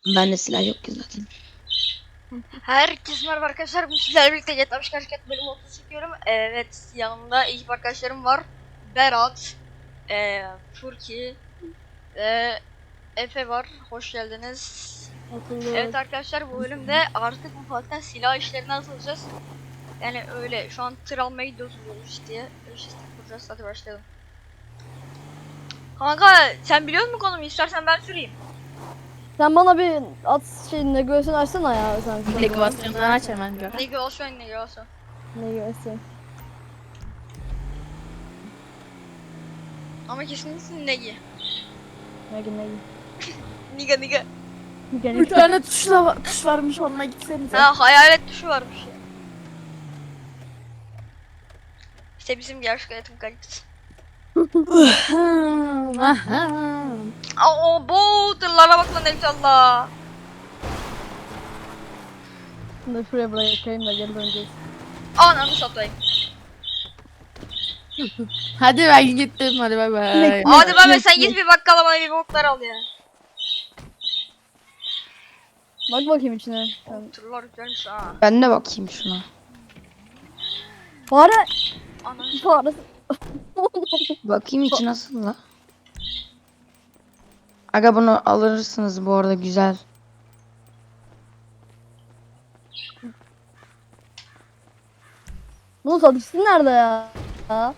Bende silah yok ki zaten. Herkese merhaba arkadaşlar. Bu sizlerle birlikte GTA 5 Karşıkat bölüm 30 çekiyorum. Evet, yanımda ekip arkadaşlarım var. Berat, Furki ve Efe var. Hoş geldiniz. Evet arkadaşlar, bu bölümde artık ufaktan silah işlerine atılacağız. Yani öyle şu an tır almaya gidiyoruz diye. İşte kuracağız. Hadi başlayalım. Kanka sen biliyor musun konumu? İstersen ben süreyim. Sen bana bir at şeyini göğsünü açsana ya sen. Dekorasyondan aç hemen gör. Ne olsun ne olsun. Ne göğsün? Ama kesinlikle negi. Ne Niga. Bir tane tuş varmış, onunla gitsenize. Ha, hayalet tuşu varmış ya. İşte bizim gerçek hayatın kalitesi. O bu tırlara bak lan inşallah. Şimdi şuraya bırakayım da geri döneceğiz. Ananı satayım. Hadi ben gittim, hadi bay bay. Hadi ben sen git bir bakkala bana bir boklar al ya. Bak bakayım içine. Sen... Tırlar güzelmiş ha. Ben de bakayım şuna. Fare! Ananı Fare! Bakayım içi nasıl la? Aga bunu alırsınız bu arada, güzel. Bunun satıcısı nerede ya? Ha?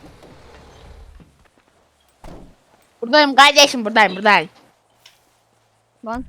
Buradayım kardeşim, buradayım. Ben.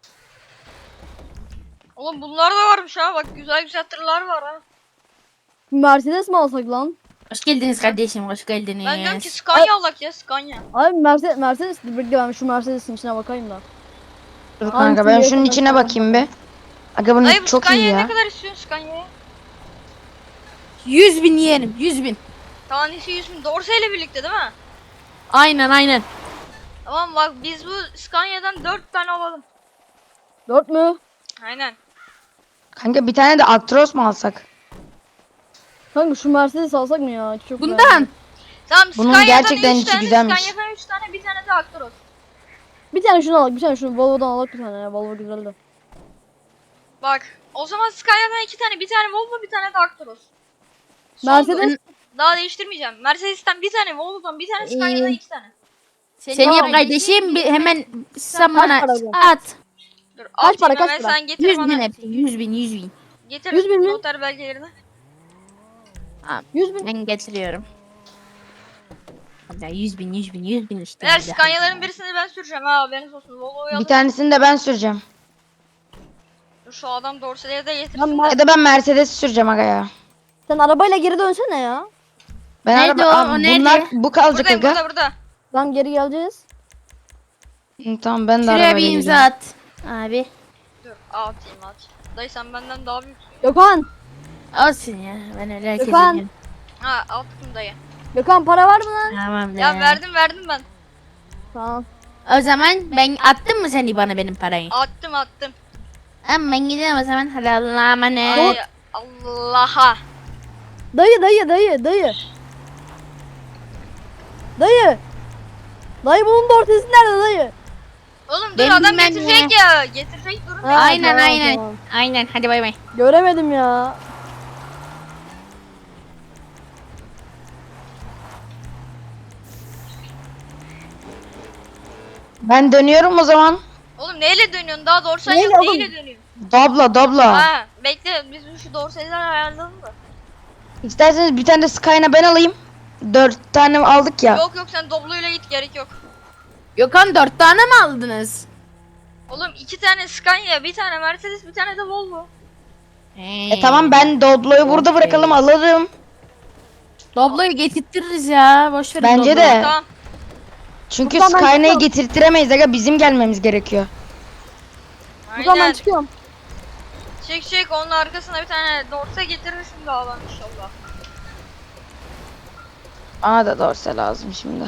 Oğlum bunlar da varmış ha, bak güzel tırlar var ha. Mercedes mi alsak lan? Hoş geldiniz kardeşim, hoş geldiniz. Ben diyorum ki Scania alak ya, Scania. Abi Mercedes bekle ben şu Mercedes'in içine bakayım da. Dur kanka, ben şunun içine bakayım bir. Aga bunu Dayı bu çok iyi Scania'ya ne ya. kadar istiyorsun Scania'ya? 100.000 yeğenim, 100.000. Tanesi 100.000 Dorse ile birlikte değil mi? Aynen. Tamam bak, biz bu Scania'dan 4 tane alalım. 4 mü? Aynen. Kanka bir tane de Actros mu alsak? Kanka şu Mercedes alsak mı ya? Çok Bundan. Tamam, Bunun Scania'dan gerçekten 3 içi tane, güzelmiş. Scania'dan 3 tane, bir tane de Actros. Bir tane şunu alak, bir tane şunu Volvo'dan alak bir tane ya. Volvo güzeldi. Bak, o zaman Scania'dan 2 tane, bir tane Volvo, bir tane de Actros. Mercedes Daha değiştirmeyeceğim. Mercedes'ten bir tane, Volvo'dan bir tane, Scania'dan 2 tane. Seni yap kardeşim, hemen sen bana para bu? at. Dur, Kaç para, hemen kaç para? sen getir 100.000 bana. hepsi, 100.000. Getir 100.000 mi? noter belgelerini. 100.000. Ben getiriyorum. Hadi 100.000 işte. Eğer hadi. Scania'ların birisini ben süreceğim ha, haberiniz olsun. Volvo'yu Bir alın. tanesini de ben süreceğim. Dur, şu adam dorseleri de Lan getirsin. Ya da ben Mercedes süreceğim aga ya. Sen arabayla geri dönsene ya. Ben Nerede araba... o? Abi O bunlar nerede? bu kalacak Buradayım, aga. burada. Lan geri geleceğiz. Hı, tamam, ben de Şuraya arabayla bir imza geleceğim. at. Abi. Dur, atayım. Dayı sen benden daha büyüksün. Gökhan. Olsun ya, ben öyle herkese Gökhan. diyorum. Ha, attım dayı. Gökhan para var mı lan? Tamam Ya verdim ben. Tamam. O zaman ben attım mı seni bana benim parayı? Attım. Ama ben gidiyorum o zaman. Hadi Allah'a emanet. Ay Allah'a. Dayı. Dayı bunun da ortası nerede dayı? Oğlum dur, Ben adam bilmem getirecek ya. Getirecek, durun. Ha, Aynen tamam, aynen. tamam. Aynen, hadi bay bay. Göremedim ya. Ben dönüyorum o zaman. Oğlum neyle dönüyorsun? Daha dorsen Neyle yok. oğlum? Neyle dönüyorsun? Dobla. Ha, bekle, biz şu dorseleri ayarlayalım da. İsterseniz bir tane de Skyna ben alayım. 4 tane aldık ya. Yok sen Doblo'yla git, gerek yok. Gökhan 4 tane mi aldınız? Oğlum 2 tane Scania, bir tane Mercedes, bir tane de Volvo. Tamam, ben Doblo'yu burada Okey. bırakalım, alırım. Doblo'yu getirtiriz ya. Boş ver. Bence Doblo'yu. de. Tamam. Çünkü Buradan ben Skyna'yı çıkıyorum. getirtiremeyiz aga, bizim gelmemiz gerekiyor. Gökhan ben Aynen. çıkıyorum. Çek, onun arkasına bir tane dorse getirirsin daha lan inşallah. Bana da dorse lazım şimdi.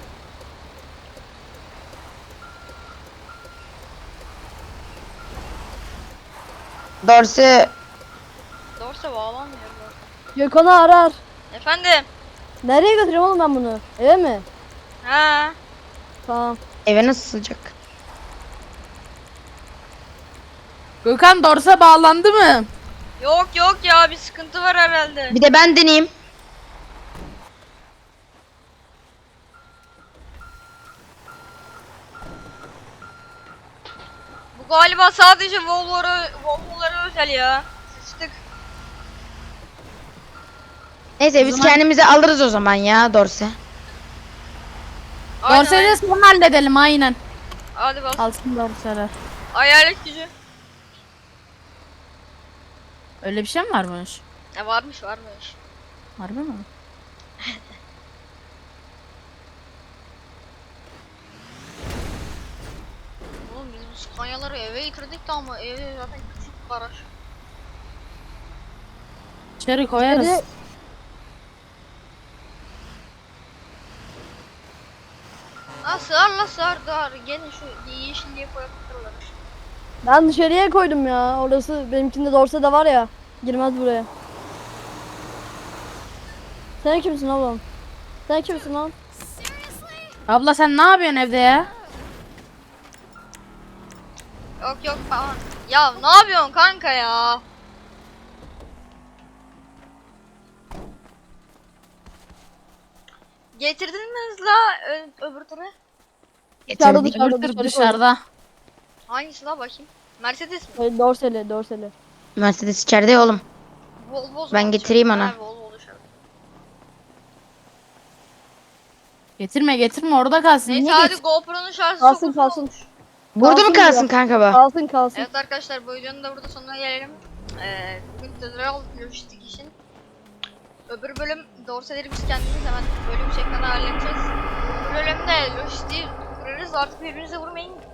Dorse Dorse bağlanmıyor bu. Gökhan'ı arar. Efendim? Nereye götüreyim oğlum ben bunu? Eve mi? Ha. Tamam. eve nasıl sığacak? Gökhan dorsa bağlandı mı? Yok yok ya, bir sıkıntı var herhalde. Bir de ben deneyeyim. Bu galiba sadece Volvo'lara özel ya. Sıçtık. Neyse biz zaman- kendimize alırız o zaman ya Dorse. Aynen, Dorsayı aynen. da sonra halledelim aynen. Hadi bas. Alsın dorsaları. Hayalet gücü. Öyle bir şey mi varmış? Varmış varmış. Harbi mi? Oğlum biz bu Scania'ları eve getirdik de ama ev zaten küçük bir garaj. İçeri koyarız. Hadi. Ha sığar la sığar dar. Gelin şu yeşilliğe koyabilirler. Ben dışarıya koydum ya. Orası benimkinde dorse de var ya. Girmez buraya. Sen kimsin oğlum? Sen kimsin lan? Abla sen ne yapıyorsun evde ya? Yok yok falan. Ya ne yapıyorsun kanka ya? Getirdin mi hızla öbür turu? Dışarıda, Getirdik. dışarıda. Dur dışarıda. Hangisi la bakayım? Mercedes mi? Dorseli, dorseli. Mercedes içeride ya oğlum. Volvo Ben zaman getireyim dışarıda. ona. Ha, Volvo dışarıda. Getirme orada kalsın. Neyse Niye hadi getir- GoPro'nun şarjı Kalsın, çok uzun kalsın. olmuş. Burada mı Kalsın kalsın diyor. kanka bu? Kalsın kalsın. Evet arkadaşlar, bu videonun da burada sonuna gelelim. Bugün tutorial lojistik için. Öbür bölüm dorseleri biz kendimiz hemen bölüm şeklinde halledeceğiz. Bu bölümde lojistiği kurarız, artık birbirinize vurmayın.